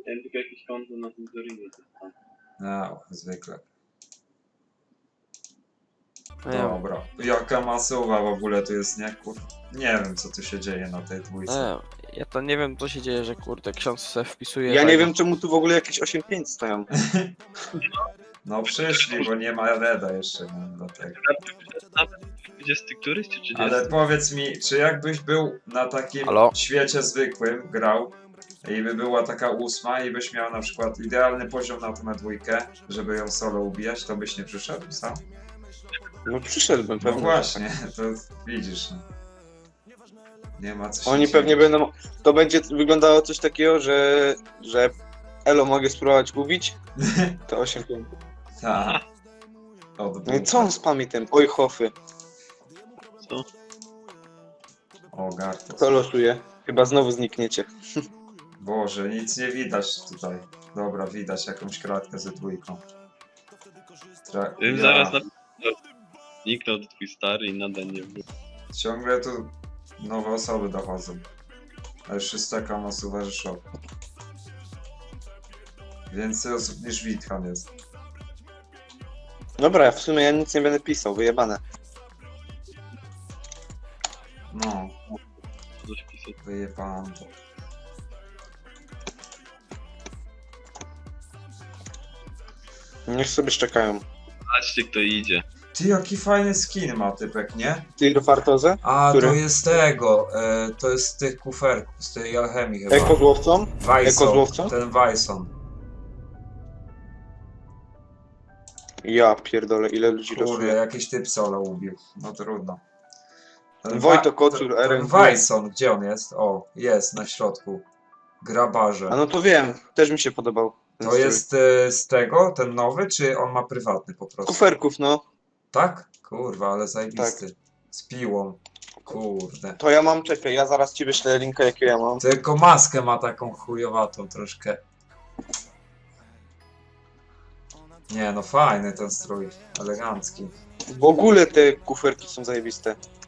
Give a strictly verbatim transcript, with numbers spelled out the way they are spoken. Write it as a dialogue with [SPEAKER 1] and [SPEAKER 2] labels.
[SPEAKER 1] Miałem tylko jakieś konto na tym Zorinie.
[SPEAKER 2] No, zwykle.
[SPEAKER 3] No ja,
[SPEAKER 2] Dobra. Jaka masuwa w ogóle tu jest, nie? Kur... Nie wiem, co tu się dzieje na tej dwójce.
[SPEAKER 3] no, ja to nie wiem, co się dzieje, że kurde, ksiądz se wpisuje.
[SPEAKER 4] Ja nie
[SPEAKER 3] tego.
[SPEAKER 4] wiem, czemu tu w ogóle jakieś osiem pięć stoją.
[SPEAKER 2] No przyszli, bo nie ma Reda jeszcze, no, dlatego.
[SPEAKER 1] dwudziesty któryś czy trzydziesty?
[SPEAKER 2] Ale powiedz mi, czy jakbyś był na takim
[SPEAKER 3] Halo?
[SPEAKER 2] świecie zwykłym, grał i by była taka ósma i byś miał na przykład idealny poziom na tą dwójkę, żeby ją solo ubijać, to byś nie przyszedł sam?
[SPEAKER 4] No przyszedłbym
[SPEAKER 2] No
[SPEAKER 4] pewnie.
[SPEAKER 2] właśnie, to widzisz. No. Nie ma co się
[SPEAKER 4] Oni
[SPEAKER 2] dziwić.
[SPEAKER 4] pewnie będą. To będzie wyglądało coś takiego, że. że Elo mogę spróbować ubić. To osiem pięć.
[SPEAKER 2] Tak. Od
[SPEAKER 4] No i co on spami tym? Oj hofy.
[SPEAKER 1] Co?
[SPEAKER 2] O, Gartos.
[SPEAKER 4] To losuje. Chyba znowu znikniecie.
[SPEAKER 2] Boże, nic nie widać tutaj. Dobra, widać jakąś kratkę ze dwójką. Tra...
[SPEAKER 1] Tym
[SPEAKER 2] ja.
[SPEAKER 1] zaraz na... Zniknął twój stary i nadal nie był.
[SPEAKER 2] Ciągle tu nowe osoby dochodzą. A już jest taka masuwa, że szok. Więcej osób niż Witchan jest.
[SPEAKER 4] Dobra, w sumie ja nic nie będę pisał, wyjebane.
[SPEAKER 2] No,
[SPEAKER 1] Coś pisać.
[SPEAKER 2] wyjebałem to.
[SPEAKER 4] Niech sobie szczekają.
[SPEAKER 1] Patrzcie kto idzie.
[SPEAKER 2] Ty, jaki fajny skin ma typek, nie?
[SPEAKER 4] Ty Fartozę?
[SPEAKER 2] A,
[SPEAKER 4] Który?
[SPEAKER 2] to jest tego, e, to jest z tych kuferków, z tej alchemii chyba.
[SPEAKER 4] Eko złowcą?
[SPEAKER 2] Wyson,
[SPEAKER 4] złowcą?
[SPEAKER 2] ten Wyson.
[SPEAKER 4] Ja pierdolę, ile ludzi
[SPEAKER 2] Kurde,
[SPEAKER 4] losuje.
[SPEAKER 2] jakiś typ solo ubił. No trudno. Ten
[SPEAKER 4] Wojto
[SPEAKER 2] Wa-
[SPEAKER 4] Kocur,
[SPEAKER 2] ten-
[SPEAKER 4] R N G.
[SPEAKER 2] Ten Wyson, gdzie on jest? O, jest na środku. Grabarze.
[SPEAKER 4] A no to wiem, też mi się podobał. ten
[SPEAKER 2] To
[SPEAKER 4] strój.
[SPEAKER 2] jest e, z tego, ten nowy, czy on ma prywatny po prostu?
[SPEAKER 4] Kuferków, no.
[SPEAKER 2] Tak? Kurwa, ale zajebisty.
[SPEAKER 4] Tak.
[SPEAKER 2] Z piłą. Kurde.
[SPEAKER 4] To ja mam, czekaj, ja zaraz ci wyślę linka, jakiego ja mam.
[SPEAKER 2] Tylko maskę ma taką chujowatą troszkę. Nie no, fajny ten strój. Elegancki.
[SPEAKER 4] W ogóle te kuferki są zajebiste.